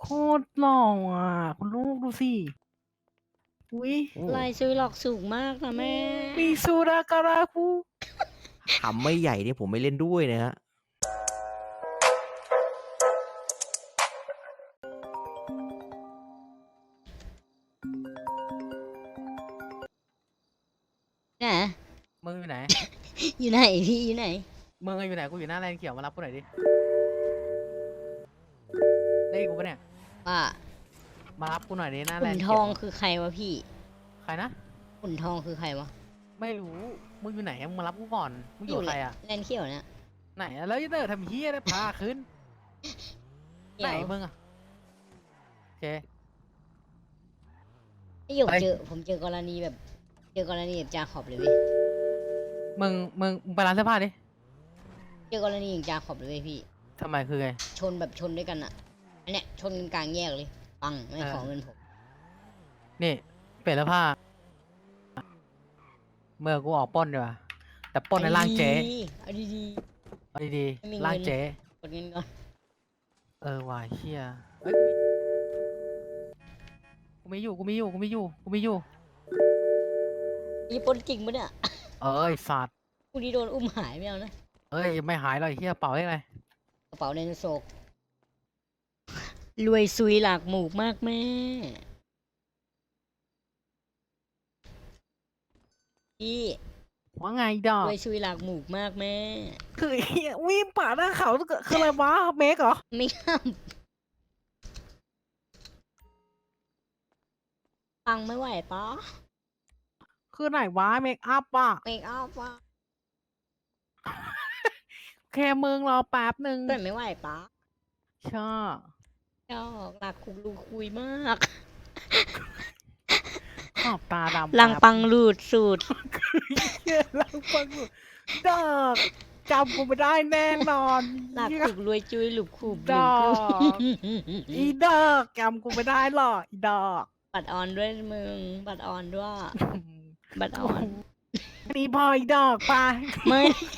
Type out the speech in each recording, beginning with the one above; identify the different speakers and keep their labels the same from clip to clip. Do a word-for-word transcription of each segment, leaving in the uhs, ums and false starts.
Speaker 1: โคตรหล่ออ่ะคุณลูกดูสิอุ้ย
Speaker 2: ลายซื้อหลอกสูงมากนะแม่
Speaker 1: มีสุราการาคู
Speaker 3: ขำไม่ใหญ่เนี่ยผมไม่เล่นด้วยนะฮะ
Speaker 2: ไหน
Speaker 1: มึงอยู่ไหน
Speaker 2: อยู่ไหนพี่อยู่ไหน
Speaker 1: มึงอยู่ไหนกูอยู่หน้าแลนด์เขียวมารับกูหน่อยดิได้กูปะเนี่ย
Speaker 2: ว่า
Speaker 1: มารับกูหน่อยดิหน้าแล
Speaker 2: ขุ
Speaker 1: น
Speaker 2: น
Speaker 1: ด์
Speaker 2: ท
Speaker 1: เขี
Speaker 2: อย ง
Speaker 1: ว
Speaker 2: คือใครวะพี่
Speaker 1: ใครนะ
Speaker 2: ขุนทองคือใครวะ
Speaker 1: ไม่รู้มึงอยู่ไหนมึงมารับกูก่อนมึงอยู่กับใครอ่ะ
Speaker 2: แลนเขียวเนี่ย
Speaker 1: ไหนอะแล้วยันเตอร์ทำเฮียได้พาขึ้น
Speaker 2: เขี
Speaker 1: ไหน
Speaker 2: ยว
Speaker 1: มึงอ่ะโอเค
Speaker 2: ไอหยก
Speaker 1: ไป
Speaker 2: เจอผมเจอกรณีแบบ เจอกรณีแบบจาขอบเลยเว้ย
Speaker 1: มึงมึงมึงไปร้านเสื้อผ้าดิ
Speaker 2: เจอกรณีอย่างจาขอบเลยเว้ยพี่
Speaker 1: ทำไมคือไง
Speaker 2: ชนแบบชนด้วยกันอะอันเนี้ยชนกันกลางแยกเลย ปังไม่
Speaker 1: เออ
Speaker 2: ขอเงินผม
Speaker 1: นี่เปลี่ยนเสื้อผ้าเมื่อกูออกปล้นดีกว่าแต่ปล้นในร่างเจ๊
Speaker 2: เอาดี
Speaker 1: เอาดี
Speaker 2: ไม่มี
Speaker 1: ๆ
Speaker 2: เงิน
Speaker 1: ร่างเจ๊
Speaker 2: ๆกดเงินก่อน
Speaker 1: เออว่ะเฮียเอ้ยกูไม่อยู่กูไม่อยู่กูไม่อยู่กูไม่อยู่
Speaker 2: นี่ปล้นจริงปะเนี่ย
Speaker 1: เอ้ยสัตว์
Speaker 2: กูนี่โดนอุ้มหายไม่เอานะ
Speaker 1: เอ้ยไม่หายเลยเฮียเป่าได้ไง
Speaker 2: กระเป๋าในโศกรวยซุยหลากหมูกมากแม่ พี่
Speaker 1: ว่าไงดอก
Speaker 2: รวยซุยหลากหมูกมากแม่
Speaker 1: คือเฮียวิ่งป่าดหน้าเขาคืออะไรวะเมกเหรอ
Speaker 2: ไม่ห้ามฟังไม่ไหวปะ
Speaker 1: คือไหนวะเมคอัพอ่ะ
Speaker 2: เมคอัพปะ
Speaker 1: แค่มึงรอแป๊บหนึ่ง
Speaker 2: แต่ไม่ไหวปะ
Speaker 1: ชอบ
Speaker 2: ชอบหลักคุกลูคุยมาก
Speaker 1: ขอบตาดำ
Speaker 2: ลัง
Speaker 1: แป๊บ
Speaker 2: ปังรูดสูตร
Speaker 1: เฮียลังปังอยู่ดอกจำกูไม่ได้แน่นอน
Speaker 2: หลัก
Speaker 1: เหี้ย
Speaker 2: คุกรวยจุยหลุบขุบ
Speaker 1: ดอก
Speaker 2: ลืม
Speaker 1: อีดอกจำกูไม่ได้หรอกอีดอก
Speaker 2: บัตรออนด้วยมึง บัตรออนด้วย บัตรออน
Speaker 1: นี่พออีดอกไป
Speaker 2: ไม่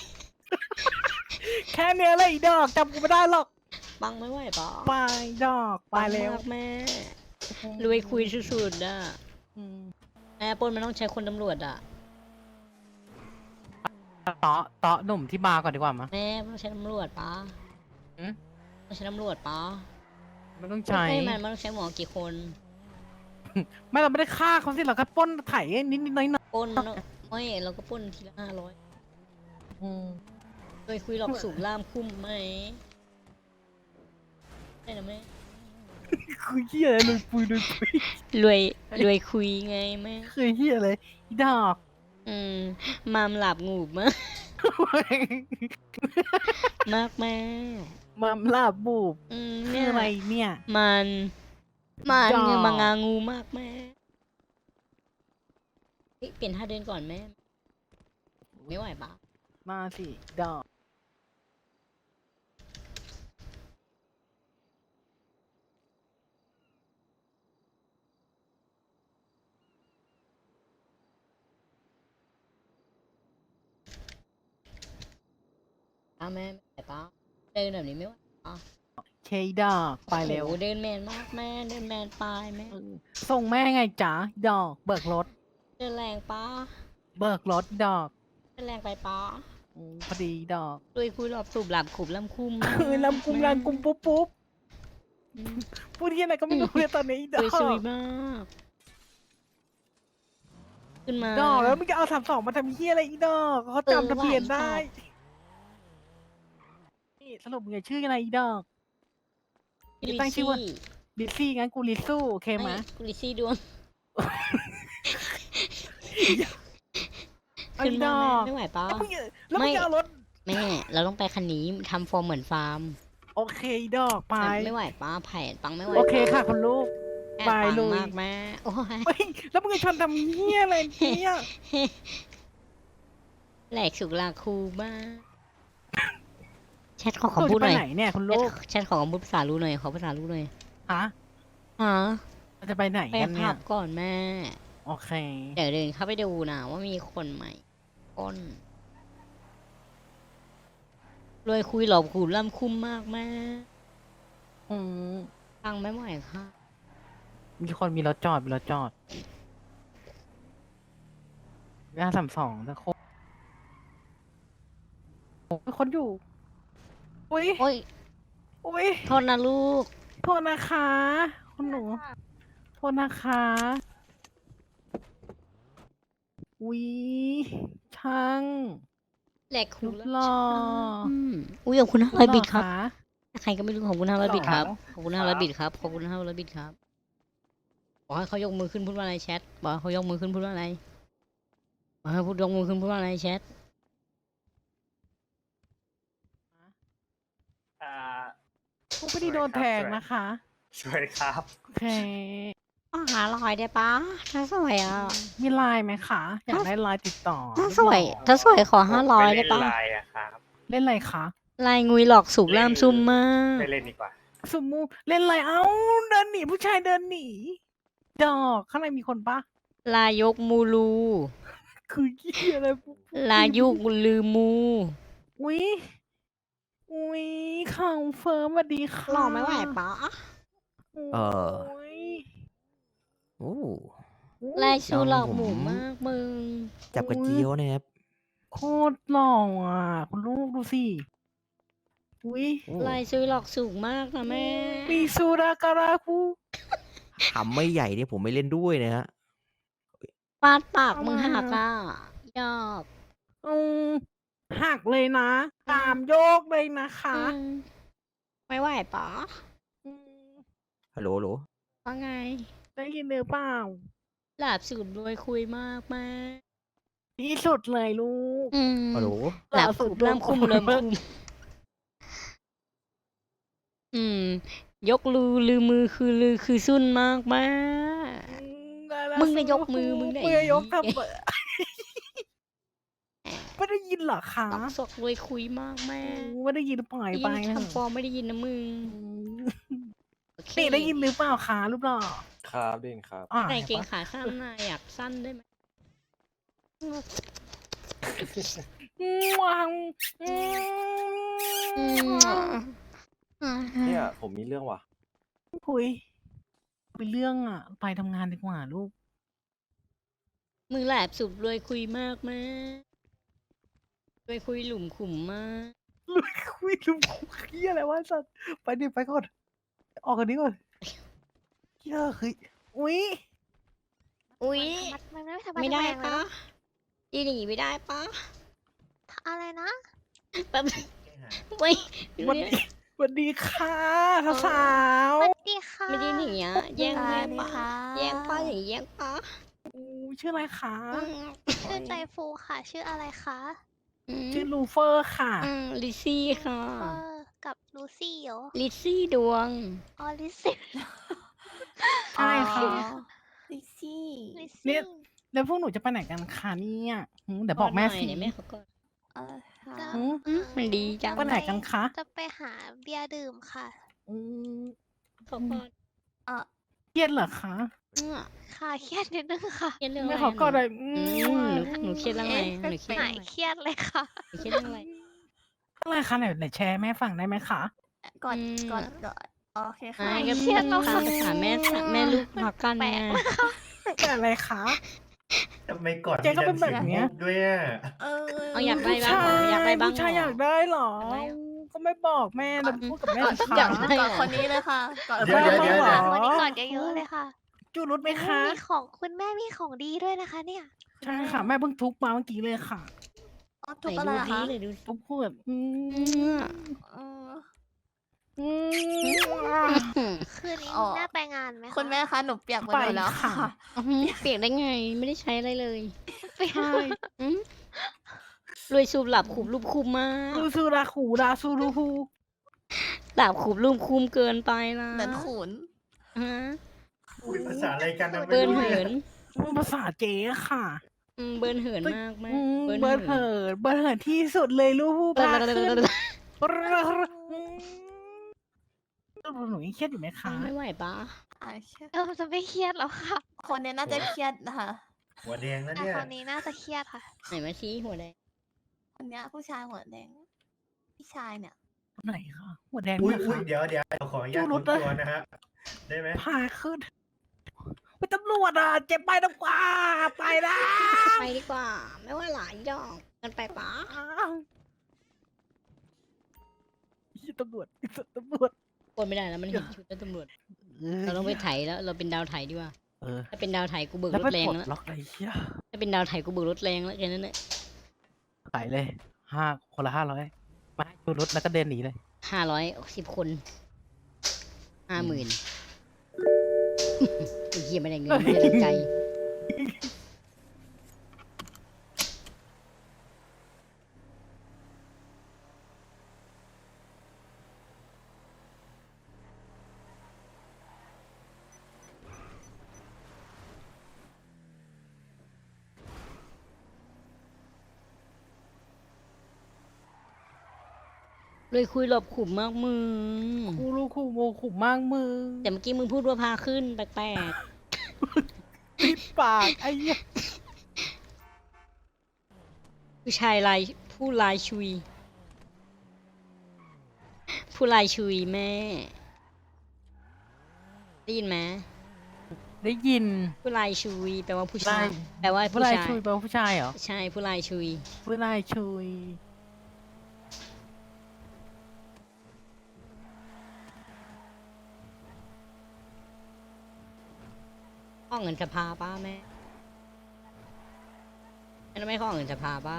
Speaker 1: แค่เนี้ยเลยอีดอกจำกูไม่ได้หรอก
Speaker 2: ปังไม่ไหวปะ
Speaker 1: ไปดอกไป
Speaker 2: ปัง
Speaker 1: เร็ว
Speaker 2: มากแม่ รวยคุยสุดๆอ่ะ
Speaker 1: อืม
Speaker 2: แม่ปล้นมันต้องใช้คนตำรวจอ่ะ
Speaker 1: เตาะเตาะหนุ่มที่บาร์ก่อนดีกว่ามั้ย
Speaker 2: แม่ต้องใช้ตำรวจปะ
Speaker 1: อืม
Speaker 2: ต้องใช้ตำรวจปะ
Speaker 1: ไม่ต้องใช้
Speaker 2: ไม่มันมันต้องใช้หมอกี่คน
Speaker 1: ไม่เราไม่ได้ฆ่าเขาสิเราแค่ปล้นไถนิดนิดๆหน้อยหน่อย
Speaker 2: ปล้นเนอะไม่เราก็ปล้นทีละห้าร้อย
Speaker 1: ๆอืม
Speaker 2: เคยคุยหลอกสูงล่ามคุ้มไหมได้นะแม่
Speaker 1: คือเฮียเลยปุยเลยปุย
Speaker 2: รวยรวยคุยไงแม่
Speaker 1: คือเฮียเลยอีดอก
Speaker 2: อืมมามหลับงูบมากมากแม่
Speaker 1: มัมลาบูบ
Speaker 2: อืม
Speaker 1: คื
Speaker 2: เนี่
Speaker 1: อย อะไรเนี่ย
Speaker 2: มันมัน
Speaker 1: ดอก
Speaker 2: เงมางางูมากแม่เฮ้ยเปลี่ยนท่าเดินก่อนแม่ ไม่ไหวปะ
Speaker 1: มาสิดอก
Speaker 2: ป้าแม่ไม่ไหวปะเดินแบบนี้ไม่ไหวปะ
Speaker 1: เคดอกไปเร็ว
Speaker 2: โอ้โหเดินแมนมากแม่เดินแมนไปแม่
Speaker 1: เออส่งแม่ไงจ๋าดอก เบิกรถ
Speaker 2: เดินแรงปะ
Speaker 1: เบิกรถดอก
Speaker 2: เดินแรงไปปะ
Speaker 1: อืมพอดีดอก
Speaker 2: รวยคุยหลอบสูบหลับขุบลำคุ้ม
Speaker 1: เออลำกุมลำกุมปุ๊บปุ๊บ
Speaker 2: อืม
Speaker 1: พูดที่อะไรก็ไม่รู้เลยตอนนี้ด
Speaker 2: ร
Speaker 1: อ
Speaker 2: วย
Speaker 1: ก
Speaker 2: สวยมากขึ้นมา
Speaker 1: ดอกแล้วมึงจะเอาสามสองมาทำเฮียอะไรอีดอกเขาจำทะเบียนได้ นี่สรุปมึงจะชื่ออะไรอีดอก
Speaker 2: ลิ
Speaker 1: ตั้งชื่อว่า
Speaker 2: ซี่
Speaker 1: ลิซซี่งั้นกูลิซสู้โอเคไหม
Speaker 2: ไม่กูลิซี่ดวง
Speaker 1: ไอ้
Speaker 2: ขึ้น
Speaker 1: ด
Speaker 2: มา
Speaker 1: อก
Speaker 2: แม่ไม่ไหวปะ
Speaker 1: แล้วมึงจะแล้วมึง
Speaker 2: ไม่
Speaker 1: จะเอารถ
Speaker 2: แม่ เราต้องไปคันนี้ทำฟอร์มเหมือนฟาร์ม
Speaker 1: โอเคอีดอกไป
Speaker 2: ไม่ไหวปะไผ่ปังไม่ไหว
Speaker 1: โอเคค่ะคุณลูก
Speaker 2: แม่
Speaker 1: ไป
Speaker 2: ปัง
Speaker 1: ลุย
Speaker 2: มากแม่โอ้ย
Speaker 1: เฮ้ยแล้วมึงจะชวนทำเฮียอะไรเนี่ย
Speaker 2: แหลกสุกลาคูมากแชทขอ
Speaker 1: หนู
Speaker 2: คำพูด
Speaker 1: จะไป
Speaker 2: หน่อย
Speaker 1: ไหนเนี่ยคุณ
Speaker 2: แช
Speaker 1: ลู
Speaker 2: ท
Speaker 1: ก
Speaker 2: แชทขอคำพูดภาษารู้หน่อยขอภาษารู้หน่อย
Speaker 1: ฮะ
Speaker 2: ฮะ
Speaker 1: เราจะไปไหน
Speaker 2: ไป
Speaker 1: กันเนี่
Speaker 2: ผั
Speaker 1: ย
Speaker 2: บก่อนแม่
Speaker 1: โอเค
Speaker 2: เดี๋ยวเดินเข้าไปดูนะว่ามีคนใหม่ก้นรวยคุยหลอบขูดล่ำคุ้มมากแม่
Speaker 1: อืม
Speaker 2: ไปตังค์ไม่ไหวค่ะ
Speaker 1: มีคนมีรถจอดมีรถจอดหน้าสามสองตะโคมีคนอยู่ อุ้ย
Speaker 2: โอ้ย
Speaker 1: อุ้ย
Speaker 2: โทษนะลูก
Speaker 1: โทษนะคะคุณหนู โทษนะคะ อุ้ยช่าง
Speaker 2: แหลกหู
Speaker 1: รูป
Speaker 2: แล้ว
Speaker 1: หล่อ
Speaker 2: อืมอุ้ยขอบคุณห้าร้อยบิตครับ
Speaker 1: หล่อะ
Speaker 2: ใครก็ไม่รู้ขอบคุณห้าร้อยบิตครับ
Speaker 1: หรอ
Speaker 2: ขอบคุณห้าร้อยบิตครับ ขอบคุณห้าร้อยบิตครับ บอกให้เขายกมือขึ้นพูดว่าอะไรแชท บอกให้เขายกมือขึ้นพูดว่าอะไรบอกให้พูดยกมือขึ้นพูดว่าอะไรแชท
Speaker 4: อ่า
Speaker 1: ผู้ไม่ได้โดนแทงนะคะ
Speaker 4: สวัสดีครับ
Speaker 1: โอเค
Speaker 2: อ๋อหาลอยได้ปะถ้าสวยอ่ะ
Speaker 1: มีไลน์ไหมคะ อยากได้ไลน์ติดต่อ
Speaker 2: ถ้าสวย ถ้าสวยขอห้าร้อยได้ปะ
Speaker 4: ม่เล่นไลน์อะครับ
Speaker 1: เล่นอะไรคะ
Speaker 2: ลายงุยหลอกสูบล่ามซุ่มมาก
Speaker 4: ไม่เล่นดีกว่า
Speaker 1: สมมูเล่นอะไรเอ้า เดินหนีผู้ชายเดินหนี ดอกข้างในมีคนปะ
Speaker 2: ลายกมูลู
Speaker 1: คือเหี้ยอะไรปุ๊บ
Speaker 2: ลายุกลือมู
Speaker 1: อุ้ยอุ้ยข่าวเฟิร์มสวัสดีค่ะ
Speaker 2: หล่อไม่ไหวปะ
Speaker 3: เออ
Speaker 1: โย
Speaker 3: โอ้
Speaker 2: ลายชูหลอก
Speaker 3: ผม
Speaker 2: หมูมากมึง
Speaker 3: จับกระเจียวนะครับ
Speaker 1: โคตรหล่ออ่ะ คุณลูกดูสิ อุ้ย
Speaker 3: โอ้
Speaker 2: ลายซูหลอกสูงมากนะแม่
Speaker 1: มีซูราการาคู
Speaker 3: ทำไม่ใหญ่เนี่ยผมไม่เล่นด้วยนะฮะ
Speaker 2: ฟาดปากมึงหักอ่ะยอบ
Speaker 1: อืมหักเลยนะ ตามโยกเลยนะคะ
Speaker 2: อืมไม่ไหวปะ
Speaker 1: อืม
Speaker 3: ฮัลโหลฮัลโหล
Speaker 2: ว่าไง
Speaker 1: ได้ยินหรือเปล่า
Speaker 2: หลาบสูตรรวยคุยมากแม่
Speaker 1: ที่สุดเลยลูก
Speaker 2: อืม
Speaker 3: ฮัลโหล
Speaker 2: หลาบสูตรเริ่มคุมเริ่มคุมอืม ยกลือลือมือคือลือคือซุ่นมากแม่
Speaker 1: อืมได้แล้ว
Speaker 2: มึงน่ะยกมือมึงน่ะ
Speaker 1: มึงอะยก
Speaker 2: ไอ้
Speaker 1: ทำไม ไม่ได้ยินเหรอคะ
Speaker 2: ตอกสกรวยคุยมากแม่
Speaker 1: อืมไม่ได้ยินปล่อย
Speaker 2: ได้
Speaker 1: ไป
Speaker 2: ยิน
Speaker 1: นะ
Speaker 2: คำฟอร์มไม่ได้ยินนะมึง
Speaker 1: อืม
Speaker 2: โอเค
Speaker 1: นี่ได้ยินหรือเปล่าคะรูปหล่อ
Speaker 4: ครับได้ยินครับ
Speaker 1: อ่ะ
Speaker 2: ใส่เกง
Speaker 1: ห็นปะ
Speaker 2: ขาสั้นน่ะอยากสั้นได้ไหม
Speaker 1: อืมวางอื
Speaker 2: อื
Speaker 1: ม
Speaker 2: ม
Speaker 4: เนี่ยผมมีเรื่องว่ะ
Speaker 1: คุยไปเรื่องอ่ะ ไปทำงานดีกว่าลูก
Speaker 2: มึงแหลบสุดรวยคุยมากแม่รวยคุยหลุมขุมมาก
Speaker 1: ลุยคุยลุงคุยเฮียอะไรวะสัตว์ไปดิไปก่อน ออกกันนี้ก่อนเฮียเฮ้ยอุ้ย
Speaker 2: อุ้ย
Speaker 5: มันไม่ทำ
Speaker 2: ไม่ได้
Speaker 5: แรงเลย
Speaker 2: ปะ
Speaker 5: เนอะ
Speaker 2: อีหนีไม่ได้ปะ
Speaker 5: อะไรนะ
Speaker 2: แป๊บไม่
Speaker 1: สวัสดีสวัสดีค่ะสาว
Speaker 5: สวัสดีค่ะ
Speaker 2: ไม่ได้หนีอ่ะแย่ง
Speaker 5: ส
Speaker 2: แย่
Speaker 5: วั
Speaker 2: ง
Speaker 5: สดี
Speaker 2: ปะ
Speaker 5: ค่ะ
Speaker 2: แย่งปะอย่างนี้แย่งปะ
Speaker 1: ๆอู้ชื่ออะไรคะ
Speaker 2: อืม
Speaker 5: ชื่อใจฟูค่ะ ชื่ออะไรคะ
Speaker 2: อืม
Speaker 1: ชื่อลูเฟอร์ค่ะ
Speaker 2: อืมลิซซี่ค่ะ
Speaker 5: เออกับลูซี่เหรอ
Speaker 2: ลิซซี่ดวง
Speaker 5: อ๋อลิซี่
Speaker 1: ใช่ค่ะ
Speaker 5: ลิซี่ลิ
Speaker 1: เนี่
Speaker 5: ซี่
Speaker 1: ย แล้วพวกหนูจะไปไหนกันคะเนี่ยหืมเดี๋ยวบอกแม่
Speaker 2: หน่ย
Speaker 1: สิ
Speaker 2: เดี๋ยวแม่เขาก็
Speaker 5: เออค่ะ
Speaker 1: หืม
Speaker 2: อืมมันดีจัง
Speaker 1: ไปไหนกันคะ
Speaker 5: จะไปหาเบียร์ดื่มค่ะ
Speaker 1: อืม
Speaker 2: เขาก็
Speaker 5: เออ
Speaker 1: เครียดเหรอคะ
Speaker 2: อืม
Speaker 5: ค่ะเครียดนิดนึงค่ะ
Speaker 2: เครียดเรื่องอะ
Speaker 1: แม่
Speaker 2: ไร
Speaker 1: ขอ
Speaker 2: อะ
Speaker 1: กอดหน่อย
Speaker 2: อื
Speaker 1: อื
Speaker 2: ม
Speaker 1: ม
Speaker 2: หนูหนูเครียดเรื่องอะไรหนูเครียด
Speaker 5: หายเครียดเลยค่ะ
Speaker 2: หนูเครียดเรื่องอะไร
Speaker 1: อะไรคะไหนไหนแชร์ให้แม่ฟังได้ไหมคะ
Speaker 5: ก่อน
Speaker 2: อืม
Speaker 5: ก่อนก่อนโอเคค่ะ
Speaker 2: อ่าก็
Speaker 5: เครียดแล้ว
Speaker 2: ตา
Speaker 5: ค่ะ
Speaker 2: มภาษาแม่สะแม่ลูกพักกัน
Speaker 5: แปล
Speaker 2: ไง
Speaker 5: กมากค่ะ
Speaker 1: แต่อะไรคะ
Speaker 6: ทำไมก่อน
Speaker 1: เจ๊ก็เป็นแบบเนี้ย
Speaker 6: ด้วยอ่ะ
Speaker 5: เออ
Speaker 2: เอาอยากได้
Speaker 1: ผู้
Speaker 2: บ้าง
Speaker 1: ชา
Speaker 2: เหรออยากได้บ้าง
Speaker 1: ผู้ชาย
Speaker 2: เหร
Speaker 1: อยากได้เหรอ
Speaker 2: อยากได้เหรอ
Speaker 1: ก็ไม่บอกแม่เราพูดกับแม่สิคะ
Speaker 2: อยากได้
Speaker 5: ก่อนคนนี้เลยค่ะก่อน
Speaker 1: เดี๋ยวเดี๋ยวเดี๋ยว
Speaker 5: คนนี้ก่อนเยอะๆเลยค่ะ
Speaker 1: จูรุดไหมคะ
Speaker 5: มีของคุณแม่มีของดีด้วยนะคะ เนี่ย
Speaker 1: ใช่ค่ะ แม่เพิ่งทุบมาเมื่อกี้เลยค่ะ
Speaker 5: อ๋อ
Speaker 2: ไห
Speaker 5: ทุก
Speaker 2: น
Speaker 5: อะไร
Speaker 2: ดู
Speaker 5: อะ
Speaker 2: ดี
Speaker 5: คะ
Speaker 2: เลยดูสิ
Speaker 1: ทุบขวดอื
Speaker 2: อื
Speaker 1: ม
Speaker 2: ม
Speaker 5: เออ
Speaker 1: อืม
Speaker 5: คืนนี้
Speaker 7: อ๋อ
Speaker 5: น่าไปงานไหมคะ
Speaker 7: คุณแม่คะหนูเปียกหมด
Speaker 1: ไป
Speaker 7: แล้ว
Speaker 1: ค่ะ
Speaker 7: ค่ะ
Speaker 2: อื้อหือเปียกได้ไง ไม่ได้ใช้อะไรเลย
Speaker 5: ไป
Speaker 1: ใช่
Speaker 2: อืมรวยสูบหลับขุบรูปคุมมาก
Speaker 1: รูซูราขูราซูรูฮู
Speaker 2: หลับขุบรูปคุมเกินไปนะ
Speaker 7: เหมือนขุน
Speaker 2: ฮะ
Speaker 6: คุยภาษาอะไรกันนะ
Speaker 2: เบิร์น
Speaker 6: ไม่
Speaker 2: เหิ
Speaker 6: รู้
Speaker 2: น
Speaker 6: เรื่อง
Speaker 1: ภาษาเจ๊ค่ะ
Speaker 2: อืมเบิร์นเหินมากแม่
Speaker 1: อืม
Speaker 2: เบิร์น
Speaker 1: เบิร์ด
Speaker 2: เหิ
Speaker 1: เหิ
Speaker 2: น
Speaker 1: นเบิร์ดเหินที่สุดเลยลูก
Speaker 2: เบิร์
Speaker 1: พาน ขึ้น
Speaker 2: เหิน
Speaker 1: หนูยังเครียดอยู่ไหมคะ
Speaker 2: ไม่ไหวปะ
Speaker 7: อ่าเครียด
Speaker 5: เออจะไม่เครียดแล้วค่ะ
Speaker 7: คนเนี้ยน่าจะเครียดนะคะ
Speaker 6: หัวแดงแล้ว
Speaker 5: แต่
Speaker 6: เนี่ย
Speaker 5: คนนี้น่าจะเครียดค่ะ
Speaker 2: ไหนมาชี้หัวแดง
Speaker 7: คนเนี้ยผู้ชายหัวแดงพี่ชายเนี่ย
Speaker 1: ไหนคะหัวแดง
Speaker 6: อุ้ย
Speaker 1: เนี่ย
Speaker 6: อุ้ย
Speaker 1: ค่ะ
Speaker 6: เดี๋ยวเดี๋ยวขออนุญาต
Speaker 1: จูรุ
Speaker 6: ค้
Speaker 1: ด
Speaker 6: น
Speaker 1: อะ
Speaker 6: ตัวนะฮะได้ไหม
Speaker 1: พาขึ้นไปตำรวจอ่ะเจ็บไปน้ำกว่าไปนะ
Speaker 2: ไปดีกว่า ไม่ว่าหลายดอกกันไปปะ
Speaker 1: ยี่ตำรวจตำรวจ
Speaker 2: กดไม่ได้แล้วมันเห็นชุดแล้วตำรวจเราต้องไปไถแล้วเราเป็นดาวไถดีกว่า
Speaker 1: เออ
Speaker 2: ถ้าเป็นดาวไถกูเบิก
Speaker 1: แล้ว
Speaker 2: ร
Speaker 1: ไป
Speaker 2: ถแรง
Speaker 1: ปลด
Speaker 2: แล้ว
Speaker 1: ล็อกอะไรเหี้ย
Speaker 2: ถ้าเป็นดาวไถกูเบิกรถแรงแล้วแค่นั้นแหละ
Speaker 1: ขายเลยห้าคนละห้าร้อยมาให้ดูรถแล้วก็เดินหนีเลย
Speaker 2: ห้าร้อยสิบคนห้าหมื่นไอ้เหี้ยไม่ได้เงินไม่ได้แรงใจ เลยคุยหลบขุมมากมึง
Speaker 1: กูรู้คู่โมขุมมากมึง
Speaker 2: แต่เมื่อกี้มึงพูดว่าพาขึ้นแปลก
Speaker 1: ปิดปากไอ้เหี้ย
Speaker 2: ๆผู้ชายลายผู้ลายชุย ผู้ลายชุยแม่ ได้ยินไหม
Speaker 1: ได้ยิน
Speaker 2: ผู้ลายชุยแปลว่าผู้ชาย
Speaker 1: ลาย
Speaker 2: แปลว่า
Speaker 1: ผู้
Speaker 2: ผู้
Speaker 1: ชาย
Speaker 2: ชาย
Speaker 1: ชุยเป็นผู้ชายเหรอ
Speaker 2: ใช่ผู้ลายชุย
Speaker 1: ผู้ชายชุย
Speaker 2: ข้อเงินสภาป้าแม่แม่ไม่ข้อเงินสภาป้า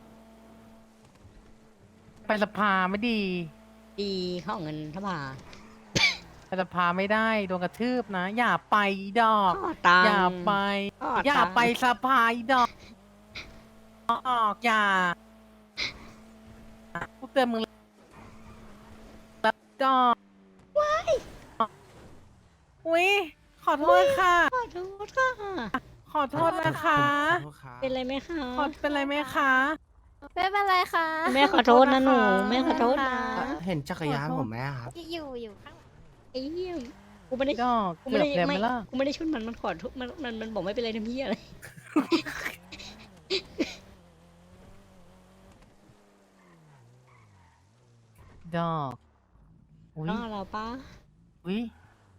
Speaker 1: ไปสภาไม่ดี
Speaker 2: ดีข้อเงินสภา
Speaker 1: ไปสภาไม่ได้โดนกระทืบนะ อย่าไปดอก
Speaker 2: ข้อตัง
Speaker 1: อย่าไป
Speaker 2: ข้อ
Speaker 1: อย่า
Speaker 2: ตัง
Speaker 1: ไปสภาอีดอกออกอย่าพวกเตือนมึงแล้วดอกว้ายอุ้ยขอโทษค่ะ
Speaker 2: ขอโทษค่ะ
Speaker 1: ขอโทษนะคะ
Speaker 2: เป็นไรไหมคะ
Speaker 1: ขอเป็นไรไหมคะ
Speaker 7: ไม่เป็นไรค่ะ
Speaker 2: แม่ขอโทษนะหนูแม่ขอโทษนะ
Speaker 3: เห็นจักรยานผมไหมครับ
Speaker 5: อยู่อยู่ข้าง
Speaker 2: ไอ้เหี้ยกูไม่ได้
Speaker 1: ดอก
Speaker 2: กู
Speaker 1: เกื
Speaker 2: ไม่
Speaker 1: อบ
Speaker 2: ได้
Speaker 1: แล้วไหม
Speaker 2: ไม่
Speaker 1: ล่ะ
Speaker 2: กูไม่ได้ชนมันมันขอโทษมันมันมันบอกไม่เป็นไรทำเหี้ยอะไร
Speaker 1: ดอกอุ้ย
Speaker 2: น้อเราป้า
Speaker 1: อุ้ย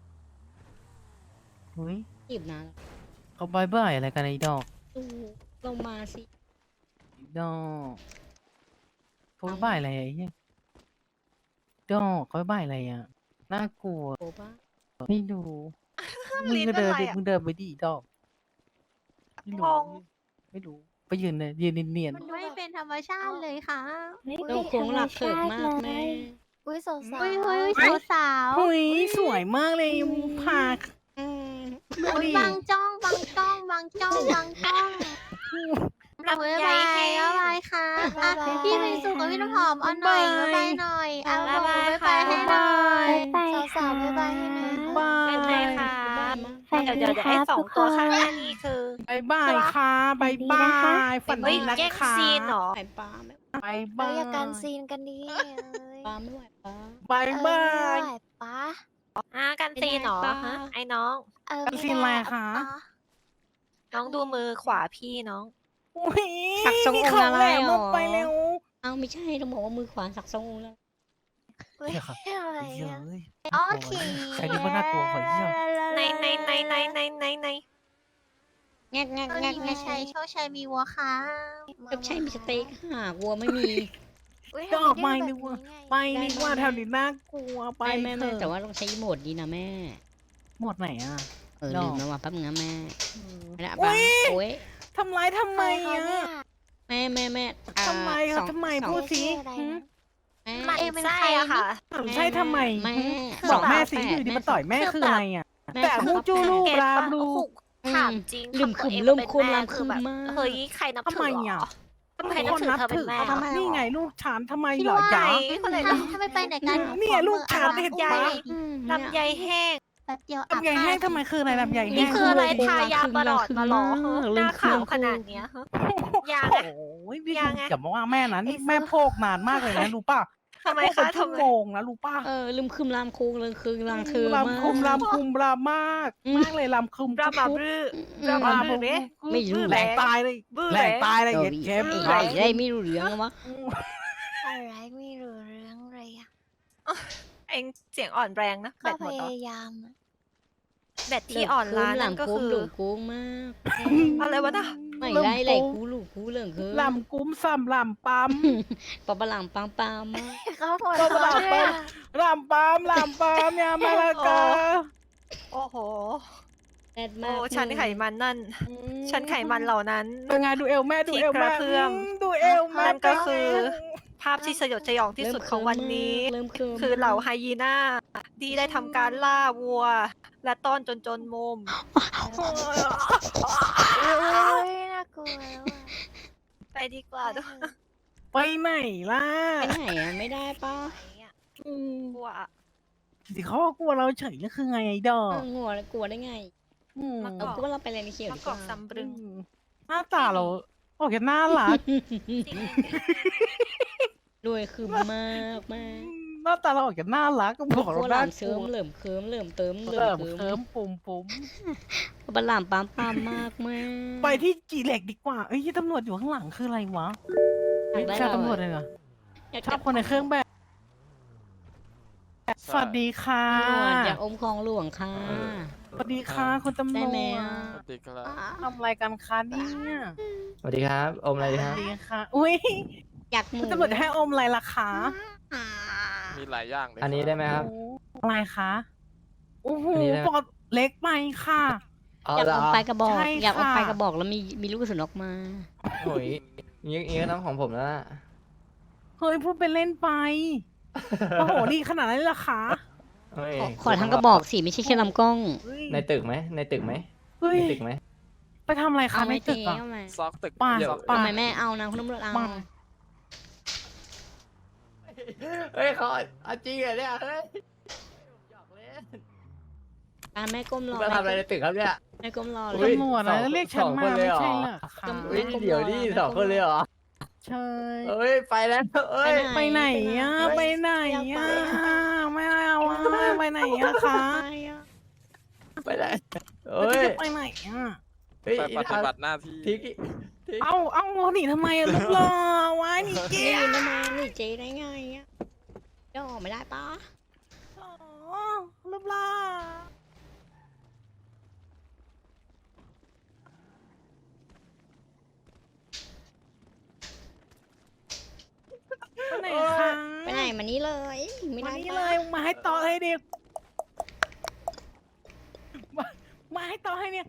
Speaker 1: อุ้ย
Speaker 2: จีบนะ
Speaker 1: เขาบายบายอะไรกันไอ้ดอก
Speaker 2: ดูลงมาสิ
Speaker 1: ดอกเขาบายบายอะไรไอ้เหี้ยดอกเขาบายบายอะไรอ่ะน่ากลัว
Speaker 2: โอ้ป้า
Speaker 1: ไม่รู้ มึงก็เดินดิมึงเดินไปดิดอกไม่รู้ไม่รู้ ไปยืนเลยยืนเนียน
Speaker 7: มันไม่เป็นธรรมชาติเลยค่ะ
Speaker 2: เราคงหลักเถิดมากแม่
Speaker 7: อุ้ยสาวๆอุ้ยอุ้ยสาวสาว
Speaker 1: ๆหุยสวยมากเลยพา
Speaker 2: อืม
Speaker 1: ดู
Speaker 7: อุ้ย
Speaker 1: ดิ
Speaker 7: บางจ้องบางจ้องบางจ้องบางจ้องบ๊ายบายบ๊ายบายค่ะอ่ะพี่เป็นสุขกับพี่น้ำหอมเอาหน่อยบ๊ายบายหน่อยเอาบอกบ๊ายบายให้หน่อยสาวๆบ๊ายบายให้หน่อย
Speaker 1: บาย
Speaker 5: เป็นไงคะ
Speaker 7: ฝัน
Speaker 5: เดี๋ยว
Speaker 7: ดี
Speaker 5: เดี๋ยว
Speaker 7: ค
Speaker 5: ไอ้
Speaker 7: รับ
Speaker 5: สอง
Speaker 7: ทุก
Speaker 5: ตัว
Speaker 7: ค
Speaker 5: ข้าง
Speaker 7: น
Speaker 5: หน้านี้คือบ
Speaker 1: ายบายค่ะบายบายฝัน
Speaker 5: เฮ้
Speaker 1: ดี
Speaker 5: ย
Speaker 1: นะ
Speaker 5: แย่ง
Speaker 1: คะ
Speaker 5: ซีนเหรอ
Speaker 2: ไหวป้าไม่
Speaker 1: บาย
Speaker 7: เอ้
Speaker 1: บาย ย
Speaker 7: อย่าการซีนกันดีเอ้ย
Speaker 2: ป้าไม่ไหวป้า
Speaker 1: บาย
Speaker 7: เออบ
Speaker 1: า
Speaker 7: ไม่
Speaker 1: ย
Speaker 7: ไหวปะ
Speaker 5: อ่ะกันซีนเหรอ
Speaker 2: เป็นไงป้า
Speaker 5: ฮะไอ้น้อง
Speaker 7: เออ
Speaker 1: การซีนอะไรคะ
Speaker 5: น้องดูมือขวาพี่น้อง
Speaker 1: อุ้ย
Speaker 2: สักทรงองค์อะไร
Speaker 1: แหลม
Speaker 2: หร
Speaker 1: ล
Speaker 2: อง
Speaker 1: ไปเร็ว
Speaker 2: เอ้าไม่ใช่ต้องบอกว่ามือขวาสักทรงองค์แล้ว
Speaker 7: เฮ้ย
Speaker 1: เหี้ยครับ
Speaker 7: อะไร
Speaker 1: เฮ้ย
Speaker 7: อะ
Speaker 1: เอ้ย
Speaker 7: โอเค
Speaker 1: ใครนี่มันน่ากลัวกว่าเหี้ย
Speaker 5: ในในในในในในใน
Speaker 2: แงกแงก
Speaker 7: ตอน
Speaker 2: แงก
Speaker 7: นี้
Speaker 2: แง
Speaker 7: ไม่
Speaker 2: ก
Speaker 7: ใช่โชคชัยมีวัวค่ะ
Speaker 2: ก็ใช่มีสเต็กหากวัวไม่มี
Speaker 7: อุ๊ย
Speaker 1: ดอก
Speaker 7: ทำ
Speaker 1: ไม้
Speaker 7: ด้
Speaker 1: นึกว่า
Speaker 7: แบบนี้ไง
Speaker 1: ไปนี่ว่าแถวนี้น่ากลัวไป
Speaker 2: ไม่แม่
Speaker 1: เถ
Speaker 2: แม่
Speaker 1: อะ
Speaker 2: แต่ว่าต้องใช้โหมดดีนะแม่
Speaker 1: หมดไหนอ่ะ
Speaker 2: เออ
Speaker 1: ดอก
Speaker 2: ลืมแล้วว่ะแป๊บนึงนะแม่ไม่ได้
Speaker 1: อุ๊
Speaker 2: ป้าย โอ้ย
Speaker 1: ทำร้ายทำไม
Speaker 7: ใครคะ
Speaker 1: อ่ะ
Speaker 7: เนี่ย
Speaker 2: แม่แม่แม่อ่า
Speaker 1: ทำไม
Speaker 2: ส
Speaker 1: เขา
Speaker 2: อง
Speaker 1: ทำไม
Speaker 2: สอง
Speaker 1: พูดสิ
Speaker 7: ชื่ออะไร
Speaker 1: หืม
Speaker 7: นะ
Speaker 2: แม่
Speaker 5: มัน
Speaker 7: เองเป็น
Speaker 5: ไส้
Speaker 7: ใคร
Speaker 5: อะค่ะ
Speaker 1: ถามใช่ทำไม
Speaker 2: แม่
Speaker 1: หืม
Speaker 2: ส
Speaker 1: บ
Speaker 2: อ
Speaker 1: อง กแม่สิ
Speaker 2: ฝา
Speaker 1: อยู่
Speaker 2: แฝ
Speaker 1: ดี
Speaker 2: ด
Speaker 1: มาต่อยแม่
Speaker 5: คือ
Speaker 1: คือ
Speaker 5: แบบ
Speaker 1: อะไรอ่ะ
Speaker 2: แม่
Speaker 1: แต่
Speaker 2: สอง
Speaker 1: ฮู้
Speaker 2: ฝา
Speaker 1: จู
Speaker 2: แฝด
Speaker 1: ลูก
Speaker 5: เก็ต
Speaker 1: รา
Speaker 5: ปะ
Speaker 1: บลู
Speaker 5: โอ้โห
Speaker 1: ก
Speaker 5: ถามจริง
Speaker 2: ลืม
Speaker 5: ทำตัว
Speaker 2: ขึม
Speaker 5: เอง
Speaker 2: ลืม
Speaker 5: เป็น
Speaker 2: คุม
Speaker 5: แม่
Speaker 2: ลำ
Speaker 5: คือแบบ
Speaker 2: คืมมาก
Speaker 5: เฮ้ยใครนับ
Speaker 1: ทำ
Speaker 5: ถื
Speaker 1: ไม
Speaker 5: อเหร
Speaker 1: อ่ะ
Speaker 5: อใครนับ
Speaker 1: คน
Speaker 5: ถือ
Speaker 1: นับ
Speaker 5: เธอเป็
Speaker 1: ถื
Speaker 5: น
Speaker 1: อ
Speaker 5: แม่
Speaker 1: เขา
Speaker 5: เหรอ
Speaker 1: นี่ไงลูกฉันทำไม
Speaker 7: พี่
Speaker 1: เหรอ
Speaker 7: ว่า
Speaker 1: จ๊ะ
Speaker 5: คนไหน
Speaker 7: ถ้าถ้าไม่ไปไหนกัน
Speaker 1: เนี่ยลูกชายเห็น
Speaker 5: ใหญ่
Speaker 1: ปะ
Speaker 2: อืม
Speaker 5: ลำไยแห้ง
Speaker 7: แป๊บเดียวอาบ
Speaker 1: ลำไยแห้งทำไมคืออะไรลำไย
Speaker 5: นี่
Speaker 1: แห้ง
Speaker 5: คืออะไร
Speaker 2: โอ้โห
Speaker 5: ทายาประหลอดมาหรอ
Speaker 2: ลืม
Speaker 5: หน้า
Speaker 2: เครื่
Speaker 5: ขา
Speaker 2: อง
Speaker 5: วขนาดเนี้ยฮะยา
Speaker 1: โอ้
Speaker 5: ไง
Speaker 1: ยพี่
Speaker 5: ยังไง
Speaker 1: อย่ามาว่าแม่นะนี่แม่โพกนานมากเลยนะรู้ป่ะ
Speaker 5: ทำไม
Speaker 1: โพก
Speaker 5: คะ
Speaker 1: เป็นชั่ว
Speaker 5: ทำไม
Speaker 1: โมงนะรู้ป่ะ
Speaker 2: เออลืมคืมลามคูงลืมคืมลามคือมาก
Speaker 1: ลำคุมลำคุมลำมาก
Speaker 2: อืม
Speaker 1: มากเลยลำคุม
Speaker 5: บรามา
Speaker 1: คุ
Speaker 5: บรือ
Speaker 2: อื
Speaker 5: บรา
Speaker 2: ม
Speaker 5: มาบรือเด้
Speaker 2: ไม่รู้
Speaker 1: แหลกตายเลย
Speaker 5: บื้อ
Speaker 1: แหลกตายเลย
Speaker 2: เออ
Speaker 1: เย็ดเข้ม
Speaker 5: บื้อ
Speaker 2: ใครได้ไม่รู้เรื่องวะ
Speaker 7: อะไรไม่รู้เรื่องเลยอ่ะ
Speaker 5: เองเสียงอ่อนแรงนะแบ
Speaker 7: ก็
Speaker 5: ตห
Speaker 7: พ
Speaker 5: มดเหรอย
Speaker 7: ายามอะ
Speaker 5: แบตที่อ่อนล้านั่นก็คือ
Speaker 2: หลงโค้งมาก
Speaker 5: อะไรวะน่ะ
Speaker 2: ไม่ได้ไหลกูลูกกูเหลืองคือ
Speaker 1: ลำกุ้มซ้ำลำปั๊ม
Speaker 2: ปะปะหลังปังปามมาก
Speaker 7: เขาหัว
Speaker 1: ก็
Speaker 7: เราะ
Speaker 1: ลำ
Speaker 7: ด้วย
Speaker 1: ปั๊ม
Speaker 7: อะ
Speaker 1: ลำปั๊มลำปั๊มเนี่ยมาละกา
Speaker 5: โอ้โห
Speaker 2: แซ่บมา
Speaker 5: โอ้
Speaker 2: ก
Speaker 5: ชั้นไขมันนั่น ชั้นไขมันเหล่านั้น
Speaker 1: เป็นไงดูเอวแม่ดูเอวแม่
Speaker 5: ที่กระเพื่อม
Speaker 1: มดูเอวแม่
Speaker 5: นั่นก็คือ ภาพที่สยดสยองที่สุดของวันนี้
Speaker 2: เริ่มเคิม
Speaker 5: คือเหล่าไฮยีน่าที่ได้ทำการล่าวัว และต้อนจนจนมุม
Speaker 7: เอ้ยน่ากลัวแล้วอะ
Speaker 5: ไปดีกว่าด้วย
Speaker 1: ไปไหนล่ะ
Speaker 2: ไปไหนอะไม่ได้ปะ
Speaker 1: อืม
Speaker 5: กลัวอะ
Speaker 1: สิเขาก็กลัวเราเฉยก็คือไงไอ้ดอ
Speaker 2: เอก องัวกลัวได้ไง
Speaker 1: อืม
Speaker 5: มา
Speaker 2: เอากูว่าเราไปเรียนเขียว
Speaker 5: มะ
Speaker 2: ดี
Speaker 5: ก
Speaker 2: ก
Speaker 5: อ
Speaker 2: ว่าก
Speaker 5: ซัมบรึง
Speaker 1: หน้าตาเราโอเคน่ารัก
Speaker 5: จริง
Speaker 2: รวยคือมากมาก
Speaker 1: หน้าตาเราออกจะน่ารักก็บอก
Speaker 2: กลั
Speaker 1: เรา
Speaker 2: วห
Speaker 1: น่า
Speaker 2: ลาม
Speaker 1: ก
Speaker 2: เชิ
Speaker 1: ลัว
Speaker 2: มเหลิ่มเคิมเหลิ่มเติมเหลิ่
Speaker 1: เริ่
Speaker 2: ม
Speaker 1: ม
Speaker 2: เคิ
Speaker 1: เคิ
Speaker 2: ม
Speaker 1: มปุ่มปุ่ม
Speaker 2: ปะหลามปามปามมากมาก
Speaker 1: ไปที่จีเหล็กดีกว่าเอ้ยที่ตำรวจอยู่ข้างหลังคืออะไรวะ
Speaker 2: อยากได้
Speaker 1: ใช่
Speaker 2: เรา
Speaker 1: ตำรวจ
Speaker 2: อะ
Speaker 1: เลยเหรอ
Speaker 2: อยาก
Speaker 1: ชอบคนในเครื่องแบบ สวัสดีค่ะ
Speaker 2: ตำรวจอยากอมคลองหลวงค่ะ
Speaker 1: สวัสดีค่ะคุณตำร
Speaker 2: ได้
Speaker 1: วจ
Speaker 2: ไหมอะ
Speaker 8: สวัสดีครับ
Speaker 1: ทำอะไรกันคะเนี่ย
Speaker 3: สวัสดีครับ อมอะไร
Speaker 1: ส
Speaker 3: ดี
Speaker 1: วั
Speaker 3: ค
Speaker 1: ส
Speaker 3: รับ
Speaker 1: ดีค่ะ อุ้ย
Speaker 2: อยากหมู
Speaker 1: คุณตำรวจจะให้อมอะไรล่ะคะ
Speaker 8: มีหลายอย่างเลย
Speaker 3: อันนี้ได้ไหมครับ
Speaker 1: โอ้อะไรคะโอ้โห
Speaker 3: อันนี้ได้ไหม
Speaker 1: ปอดเล็กไปค่ะ
Speaker 3: เอา
Speaker 2: อยาก
Speaker 3: เหร
Speaker 2: อ
Speaker 3: อ
Speaker 2: มไปกระบอก
Speaker 1: ใช่
Speaker 2: อยากอม
Speaker 1: ค่ะ
Speaker 2: ไปกระบอกแล้วมีมีลูกกระสุนออกมา
Speaker 3: โอ้ยงี้งี้ก็ต้องของผมแล้วล่ะ
Speaker 1: เฮ้ยพูดเป็นเล่นไปโอ้โหนี่ขนาดนั้นเลยเหรอคะ
Speaker 3: เฮ้ย
Speaker 2: ขอขอทั้งกระบอกสิไม่ใช่แค่ลำกล้อง
Speaker 1: เฮ้ย
Speaker 3: ในตึกไหมในตึกไหม
Speaker 1: เฮ้ย
Speaker 3: ในตึกไหม
Speaker 1: ไปทำอะไรคะ
Speaker 2: เอา
Speaker 1: ใน
Speaker 2: ไหม่
Speaker 1: ตึ
Speaker 2: ตี
Speaker 1: กอะ
Speaker 2: เอาไหม
Speaker 8: ซอกตึก
Speaker 1: ป่ะ
Speaker 8: เดี๋ยว
Speaker 1: ป่ะ
Speaker 2: ทำไมแม่เอานะคุณตำรวจเอา
Speaker 1: มา
Speaker 3: เฮ้ยเขาเอาจริงเหรอเนี่ยเฮ้ยหยอกเล่น
Speaker 2: การแม่ก้มรอ
Speaker 3: มาทำอะไรในตึกครับเนี่ย
Speaker 2: แม่ก้มรอ
Speaker 3: อุ๊
Speaker 2: เลย ย
Speaker 1: ตำรวจ
Speaker 3: ส
Speaker 1: นะ
Speaker 3: อง
Speaker 1: เรียกฉัน
Speaker 3: สอง
Speaker 1: มา
Speaker 3: คนเลย
Speaker 1: ไม่
Speaker 3: เหรอ
Speaker 1: ใช่เหรอคะ
Speaker 2: จำ
Speaker 3: เฮ้ยเดี๋ยวนี่สองคนเลยเหรอ
Speaker 1: ใช่
Speaker 3: เฮ้ยไปแล้วเอ้ย
Speaker 1: ไปไหนอะไปไหนอะไม่เอาอะไปไหนอะคะ
Speaker 3: ไปไหน
Speaker 1: แล้ว
Speaker 3: เฮ้ย
Speaker 1: จะไปไหนอะ
Speaker 3: เฮ้ย
Speaker 8: ไปปฏิบัติหน้าที่
Speaker 3: ทิกทิก
Speaker 1: เอาเอาหนีทำไมอะลูกหล่อวายหนีเกี
Speaker 2: เจ๊
Speaker 1: ยร์
Speaker 2: ทำไมนี่เจ๊ได้ไงอ่ะย่อไม่ได้ปะ
Speaker 1: อ๋อลูกหล่อไปไหนคะ
Speaker 2: ไปไหนมานี่เลย ไม่
Speaker 1: มา
Speaker 2: ได้
Speaker 1: นี่
Speaker 2: ปะ
Speaker 1: เลยมาให้ต่อให้ดิมามาให้ต่อให้เนี่ย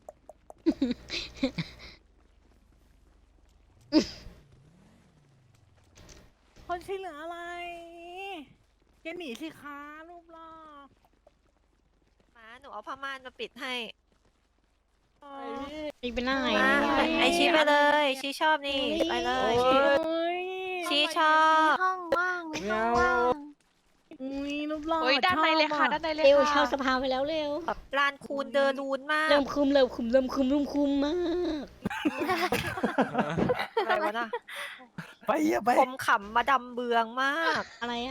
Speaker 1: คนช่วยเหลืออะไรแกหนีสิคะรูปหล่อ
Speaker 5: มาหนูเอาผ้าม่านมาปิดให้
Speaker 2: ไปไปไหน
Speaker 5: มา
Speaker 2: เนี่ย
Speaker 5: ไอชี้ไปเลย ชี้ชอบนี่ ไปเลย
Speaker 3: โอ้
Speaker 5: ชี้
Speaker 3: ย
Speaker 1: โอ้ย
Speaker 5: ชี้ชอบ
Speaker 7: ห้องว่างในห้องว่าง
Speaker 1: อุ้ยรูปหล่อ
Speaker 9: โอ้ยด้านในเลยค่ะ
Speaker 1: ชอบอ
Speaker 9: ด้านในเลย
Speaker 2: เร็ว
Speaker 9: ค่ะ
Speaker 2: เช่าสภาไปแล้วเร็ว
Speaker 5: แบบลานคูนเดินรูนมาก
Speaker 2: เริ่มคุมเริ่มคุมเริ่มคุมเริ่มคุมมาก
Speaker 5: อะไรวะน่ะ
Speaker 1: ไปอย่าไป
Speaker 5: คมขำมาดำเบืองมาก
Speaker 2: อะไรอะ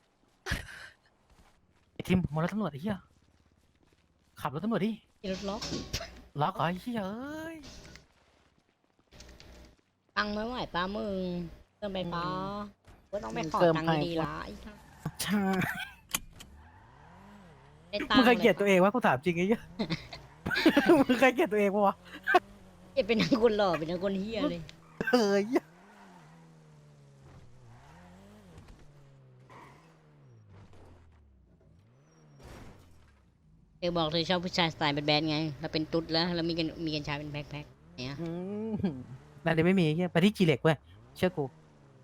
Speaker 1: ไอ้ทิมมารถตำรวจไอ้เหี้ยขับรถตำรวจดิ
Speaker 2: ขี่รถล็อก
Speaker 1: ล็อกเหรอไอ้เหี้ยเอ้ย
Speaker 2: ตังค์ไม่ไหวป้ามึงเติมไปป้าก็ต้องไปขอตังค์ดีๆละไอ้ห่า
Speaker 1: ใช่
Speaker 2: ได้ตัง
Speaker 1: มึง
Speaker 2: ค์
Speaker 1: เคยเกลียดตัวเองวะกูถามจริงไอ้เหี้ย มึงเคยเกลียดตัวเองปะวะ
Speaker 2: เกลียดเป็นนักคนหล่อเป็นนักคนเฮียเลย
Speaker 1: เฮ้ย
Speaker 2: เธอบอกเธอชอบผู้ชายสไตล์แบดๆไงเราเป็นตุ๊ดแล้วเรามีกันมีกันชายเป็นแพ็คๆเนี่ย
Speaker 1: อืมนั่นเดี๋ยวไม่มีไอ้เหี้ยไปที่จีเหล็กเว้ยเชื่อกู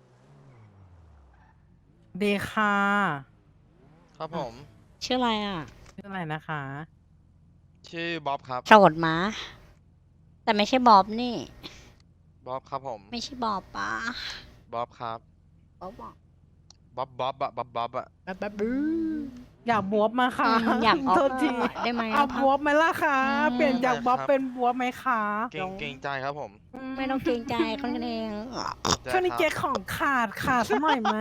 Speaker 1: เดค่ะ
Speaker 8: ครับผม
Speaker 2: ชื่ออะไรอ่ะ
Speaker 1: ชื่ออะไรนะคะ
Speaker 8: ชื่อบ๊อบครับ
Speaker 2: โสดมาแต่ไม่ใช่บอบนี่
Speaker 8: บ๊อบครับผม
Speaker 2: ไม่ใช่บอบป้า
Speaker 8: บ๊อบครับ
Speaker 2: บอบบอก
Speaker 8: บ๊อบบ๊อบอะบ๊อบบ๊อบอะ
Speaker 2: แบบแบบบื้อ
Speaker 1: อยากบวบมาค่ะ
Speaker 2: อืมอยากออก
Speaker 1: โทษที
Speaker 2: ได้ไหม
Speaker 1: เอา
Speaker 2: อะ
Speaker 1: บวบไหมล่ะคะ
Speaker 2: อืม
Speaker 1: เปลี่ยนจากบ๊อบเป็นบวบไหมคะ
Speaker 8: เก่งเก่งใจครับผม
Speaker 2: ไม่ต้องเกรงใจคนกันเอง
Speaker 1: ช่วงนี้
Speaker 8: ได้
Speaker 1: เจ๊
Speaker 8: ครับ
Speaker 1: ของขาดขาดสักหน่อยไหม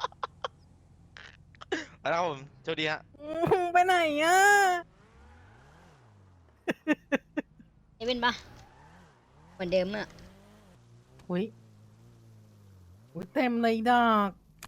Speaker 8: แล้วผมเจ้าดีฮะ
Speaker 1: อืมไปไหนอ่ะ
Speaker 2: เอเป็นปะเหมือนเดิมอะ
Speaker 1: อุ้ยอุ้ยเต็มเลยดอก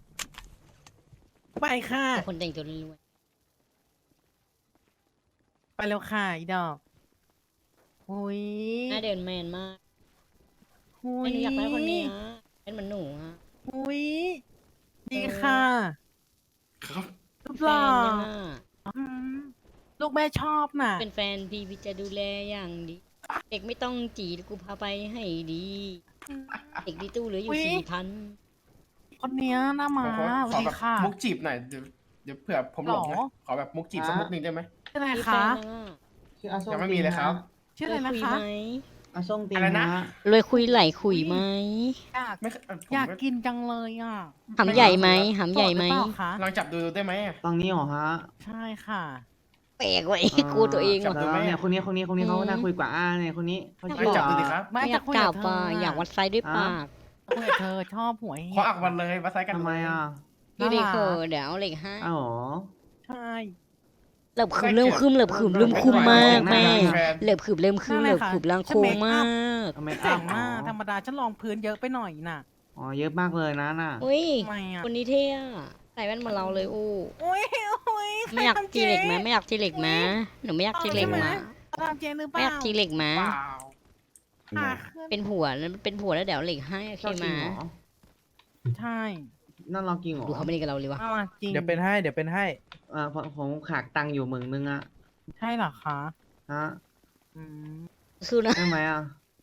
Speaker 1: ไปค่ะ
Speaker 2: แต่คนแต่งตัวรวย
Speaker 1: ไปแล้วค่ะอีดอกหุย
Speaker 2: หน้าเดินแมนมาก
Speaker 1: หุ
Speaker 2: ไอ้
Speaker 1: ย
Speaker 2: หนูอยากได้คนเนี้ยเป็นเหมือนหนูอะ
Speaker 1: หุยดีค่ะ
Speaker 4: ครับ
Speaker 1: รูป
Speaker 2: แฟ
Speaker 1: หล่อน
Speaker 2: ยังอะ
Speaker 1: อืมลูกแม่ชอบน่ะ
Speaker 2: เป็นแฟนพี่พี่จะดูแลอย่างดี เด็กไม่ต้องจีดกูพาไปให้ดี เด็กดีตู้เหลืออยู่
Speaker 1: อุ๊ย
Speaker 2: สี่พัน
Speaker 1: คนเนี้ยหน้ามา
Speaker 3: ขอ
Speaker 1: ส
Speaker 3: ข
Speaker 1: วั
Speaker 3: อ
Speaker 1: สดี
Speaker 3: แบบ
Speaker 1: ค่ะ
Speaker 3: มุกจีบหน่อยเดี๋ยวเดี๋ยวเผื่อผมหลงนะ
Speaker 1: หรอ
Speaker 3: ขอแบบมุกจีบสักมุกหนึ่งได้ไหม
Speaker 1: ชื่ออะไร
Speaker 2: มีแฟ
Speaker 1: คะ
Speaker 2: นยังอะ
Speaker 9: ชื่ออาส้ม
Speaker 3: ยังไม่มีเลยครับ
Speaker 1: ชื่อ
Speaker 2: เล
Speaker 1: อะไร
Speaker 2: ย
Speaker 1: นะ
Speaker 2: คุย
Speaker 1: คะ
Speaker 2: ไหม
Speaker 9: อาส้มตี
Speaker 3: อะไรนะ
Speaker 9: ฮะ
Speaker 2: เลยคุยไหลคุยไหม
Speaker 1: อยาก
Speaker 3: ไม่เคยเอ่อผม
Speaker 1: อยาก
Speaker 3: ไม่
Speaker 1: กินจังเลยอ่ะ
Speaker 2: หำใหญ่ไหมหำใหญ่ไหม
Speaker 1: โสดรือเปล่าคะ
Speaker 3: ลองจับดูได้ไหมอะ
Speaker 9: ตรงนี้เหรอฮะ
Speaker 1: ใช่ค่ะ
Speaker 2: แปลกว่ะไอ้กูตัวเอง
Speaker 3: จับ
Speaker 2: ว่ะ
Speaker 3: ดูไหม
Speaker 9: เนี่ย
Speaker 3: อะ
Speaker 9: คนนี้คนนี้คนนี้เขา
Speaker 2: อืม
Speaker 9: น่าคุยกว่าอ่าเนี่ยคนนี้เขา
Speaker 2: อยาก
Speaker 9: ชื่อ
Speaker 3: จับดูดิครับ
Speaker 1: ไม่
Speaker 2: ไม่อยา
Speaker 1: จะ
Speaker 2: ก
Speaker 1: คุย
Speaker 2: กล่า
Speaker 1: กั
Speaker 2: ว
Speaker 1: บเธ
Speaker 2: ปา
Speaker 1: อ
Speaker 2: อยากวัดไซส์ด้วยปาก
Speaker 1: คุยกับเธอชอบหวย
Speaker 3: ขออักวันเลยมาไซส์กัน
Speaker 9: ทำไมอ่ะ
Speaker 2: พี่เลยเขอเดี๋ยวเอาเหล็กให้
Speaker 9: อ้าวเหรอ
Speaker 1: ใช่
Speaker 2: เหลิบขืมเริ่มคืมเหลิบขืมเริ่มคุมมากแม่
Speaker 3: แฟน
Speaker 2: เหลิบขืมเริ่มคืมเหลิบขืมลังโค้งมาก
Speaker 9: ทำไม
Speaker 1: แต่
Speaker 9: อ้าว
Speaker 1: งหน้าธรรมดาฉันลองพื้นเยอะไปหน่อยน่ะ
Speaker 9: อ๋อเยอะมากเลยนะน่ะ
Speaker 2: อุ้ย
Speaker 1: ทำไมอ่ะ
Speaker 2: คนนี้เท่อะใส่แว่นเหมือนเราเลยอู้
Speaker 1: โอ้ยโอ้ย
Speaker 2: ไม่อยากจีเหล็กไหมไม่อยากจีเหล็กไหมหนูไม่อยากจีเหล็กไหม
Speaker 1: ตามเจนหรือเป
Speaker 2: ไม่
Speaker 1: ล่า
Speaker 2: อยากจีเหล็กไหม
Speaker 3: เปล่า
Speaker 1: ค่ะ
Speaker 2: เป็นผัวแล้วเป็นผัวแล้วเดี๋ยวเหล็กให้โอเค
Speaker 9: ชอบ
Speaker 2: ไห
Speaker 9: จ
Speaker 2: ม
Speaker 9: ริงเหรอ
Speaker 1: ใช่
Speaker 9: นั่นเราจริงเหรอ
Speaker 2: ดูเขาไม่ได้กับเราเลยวะ
Speaker 1: เอามาจริง
Speaker 10: เดี๋ยวเป็นให้เดี๋ยวเป็นให้
Speaker 9: อ่าผมผมขาดตังค์อยู่หมื่นนึงอะ
Speaker 1: ใช่เหรอคะ
Speaker 9: ฮะ
Speaker 1: อืม
Speaker 2: คือนะ
Speaker 9: ได้ไหมอ่ะ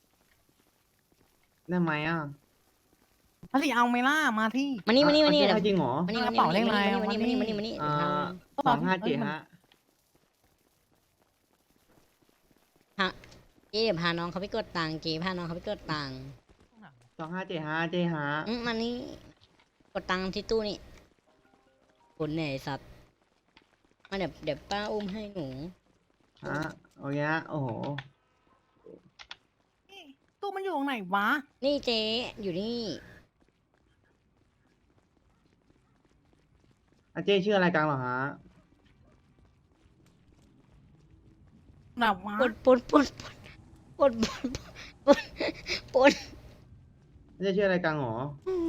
Speaker 9: ได้ไหมอ่ะ
Speaker 1: พอดีเอาไหมล่ะมาที่
Speaker 2: มานี่มานี่มานี่
Speaker 9: อ่ะ
Speaker 2: เดี๋ยว
Speaker 9: ให้จริงเหรอ
Speaker 2: มานี่
Speaker 1: ก
Speaker 2: มา
Speaker 1: ระ
Speaker 2: นี่
Speaker 1: เป๋า
Speaker 2: มา
Speaker 1: เลขอะไร
Speaker 2: นี่มานี่มานี่มานี่มานี่
Speaker 9: อ่า
Speaker 2: เดี๋ยวท
Speaker 9: สองห้าเจ็ดฮะ
Speaker 2: ำเจ๊พาน้องเขาไปกดตังค์เจ๊พาน้องเขาไปกดตังค์
Speaker 9: สองห้าเจ็ดฮะเจฮะ
Speaker 2: อืมมานี่กดตังค์ที่ตู้นี่คนไหนสัตว์มาเดี๋ยวเดี๋ยวป้าอุ้มให้หนู
Speaker 9: ฮะโอเคฮะโอ้โห
Speaker 1: ตู้มันอยู่ตรงไหนวะ
Speaker 2: นี่เจ๊อยู่นี่
Speaker 9: อาเจชื่ออะไรกันเหรอฮะ
Speaker 1: ไหนวะ
Speaker 2: ปนปนปนปนปนปนปน
Speaker 9: อาเจชื่ออะไรกันเหรอ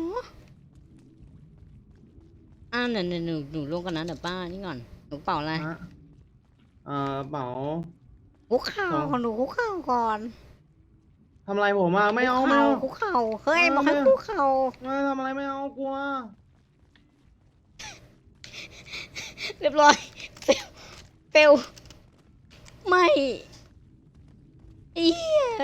Speaker 2: อ่าหนูหนูหนูหนูลงกันนะเดี๋ยวป้านี่ก่อนหนูเป่าอะไร
Speaker 9: ฮะเอ่อเป๋า
Speaker 2: คุกเข่าของหนูคุกเข่าก่อน
Speaker 9: ทำอะไรผมอ่ะไม่เอา
Speaker 2: คุก
Speaker 9: ไม่
Speaker 2: เข่า
Speaker 9: เอา
Speaker 2: คุกเข่าเฮ้ย
Speaker 9: เออ
Speaker 2: บอกให้
Speaker 9: ไม่
Speaker 2: คุกเข่า
Speaker 9: ไม่ทำอะไรไม่เอากลัว
Speaker 2: เรียบร้อยเฟลเฟลไม่เอี้ย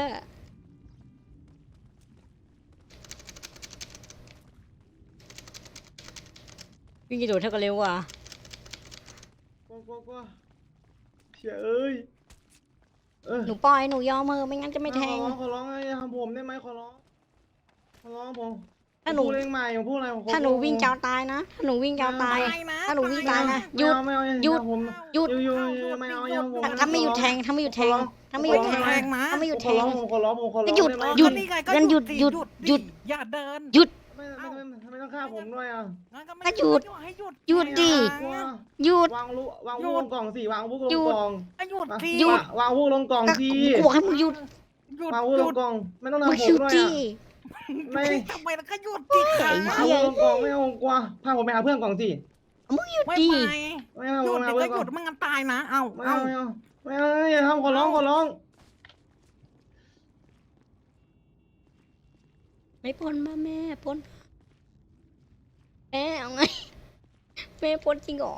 Speaker 2: วิ่งกระโดดเท่ากันเร็วว่ะ
Speaker 9: กลัวกลัวกลัวเฉยเอ้ยเออ
Speaker 2: หนูปล่อยหนูยอมเออไม่งั้นจะไม่แทง
Speaker 9: ขอร้องขอร้องอย่าทำผมได้ไหมขอร้องขอร้องผม
Speaker 2: ถ้าหนู
Speaker 9: ผมพูดเองใหม่ผมพูดอะไรผมขอ
Speaker 2: ถ้าหนูวิ่ง
Speaker 9: ผม
Speaker 2: เจ้าตายนะ ถ้าหนูวิ่งเจ้าตาย
Speaker 1: ตายนะ
Speaker 2: ถ้าหนูวิ่งตายนะห
Speaker 9: ไม่
Speaker 2: ยุด
Speaker 9: เอาไม่เอาอา
Speaker 2: หยุด
Speaker 9: ทำผม
Speaker 2: หยุด
Speaker 9: หยุดหยุดไม่เอาอย่าทำผม
Speaker 2: ถ้าถ้าไม่หยุดแทงถ้าไม่หยุดแทงถ้าไม่หยุดแทง
Speaker 1: แทงนะ
Speaker 2: ถ้าไม่หยุด
Speaker 9: ผ
Speaker 2: แท
Speaker 9: มของ ร้องผมขอร้องผมขอร้อง
Speaker 2: หยุด
Speaker 9: ไไหม
Speaker 2: หยุด
Speaker 1: นี่ไงก็
Speaker 2: งั้นหยุด
Speaker 1: สิ
Speaker 2: หยุดหยุด
Speaker 1: อย่าเดิน
Speaker 2: หยุด
Speaker 9: ไม่ไม่ไม่ไม่ไม่ต้องฆ่าผมด้วยอ่ะ
Speaker 1: งั้นก็ไม่
Speaker 2: ก็หยุด
Speaker 1: ให้หยุด
Speaker 2: หยุดดิ
Speaker 9: กลัว
Speaker 2: หยุด
Speaker 9: วางลูวาง
Speaker 1: หยุ
Speaker 9: ลูก
Speaker 1: ด
Speaker 9: ลงกล่องสิวางลูกล
Speaker 2: หยุ
Speaker 9: ง
Speaker 2: ด
Speaker 9: กล่อง
Speaker 1: ให้หยุดสิ
Speaker 2: หยุด
Speaker 9: วางลูกลงกล่องสิ
Speaker 2: กูบอกให้มึงหยุด
Speaker 1: หยุด
Speaker 9: วางลูก
Speaker 1: ห
Speaker 9: ล
Speaker 1: ยุ
Speaker 9: ง
Speaker 1: ด
Speaker 9: กล่องไม่ต้อง
Speaker 2: มึง
Speaker 9: ทำผ
Speaker 2: หยุ
Speaker 9: ม
Speaker 2: ด
Speaker 9: ด้วย
Speaker 2: ดิ
Speaker 9: อ่ะไม่
Speaker 1: ทำไมแล้วก็หยุดดิค่ะ
Speaker 2: ไอ้
Speaker 9: วาง
Speaker 2: เหี้ย
Speaker 9: ลูกลงกล่องไม่เอาผมกลัวพาผมไปหาเพื่อนกล่องสิ
Speaker 2: มึงหยุด
Speaker 1: ไม่
Speaker 2: ดิ
Speaker 1: ไป
Speaker 9: ไม่เอา
Speaker 1: หยุ
Speaker 9: ผ
Speaker 1: ด
Speaker 9: มไป
Speaker 1: เดี๋ย
Speaker 9: หาว
Speaker 1: ก็
Speaker 9: เพื่อน
Speaker 1: ห
Speaker 9: กล่อง
Speaker 1: ยุดมันงั้นตายนะ เอา
Speaker 9: ไม่
Speaker 1: เอา
Speaker 9: เอาไม่เอาไม่เอาอย่าทำขอร้องขอร้อง
Speaker 2: ไม่ปนมาแม่ปนแม่เอาไงแม่ปนจริงเหรอ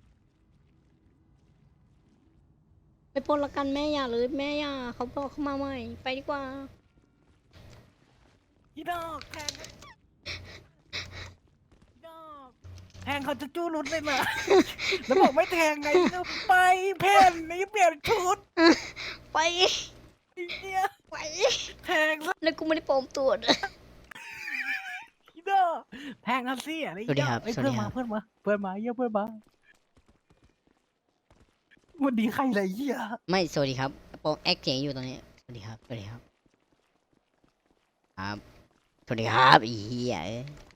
Speaker 2: ไม่ปนละกันแม่อย่าเลยแม่อย่าเขาบอกเขามาใหม่ไปดีกว่า
Speaker 1: อีดอกแทงอีดอกแทงเขาจะจู้รุดเลยเหรอ แล้วบอกไม่แทงไงก็ไปเพ่นนี่เปลี่ยนชุด
Speaker 2: ไป
Speaker 1: ไอ้เนี่ย
Speaker 2: ไป
Speaker 1: แทงซะ
Speaker 2: แล้วกูไม่ได้ปลอมตัวด้วย
Speaker 1: อีดอกแทงกันสิอะไร
Speaker 2: สวัสดีครับ
Speaker 1: ไอ้
Speaker 2: สวัส
Speaker 1: เพื่
Speaker 2: ดี
Speaker 1: อน
Speaker 2: ครั
Speaker 1: มา
Speaker 2: บ
Speaker 1: เพื่อนมาเพื่อนมาเยี่ยเพื่อนมาวันดีใครไรเหี้ย
Speaker 2: ไม่สวัสดีครับโปรแอคเสียงอยู่ตรงนี้สวัสดีครับสวัสดีครับครับสวัสดีครับอีเหี้ยเอ้ย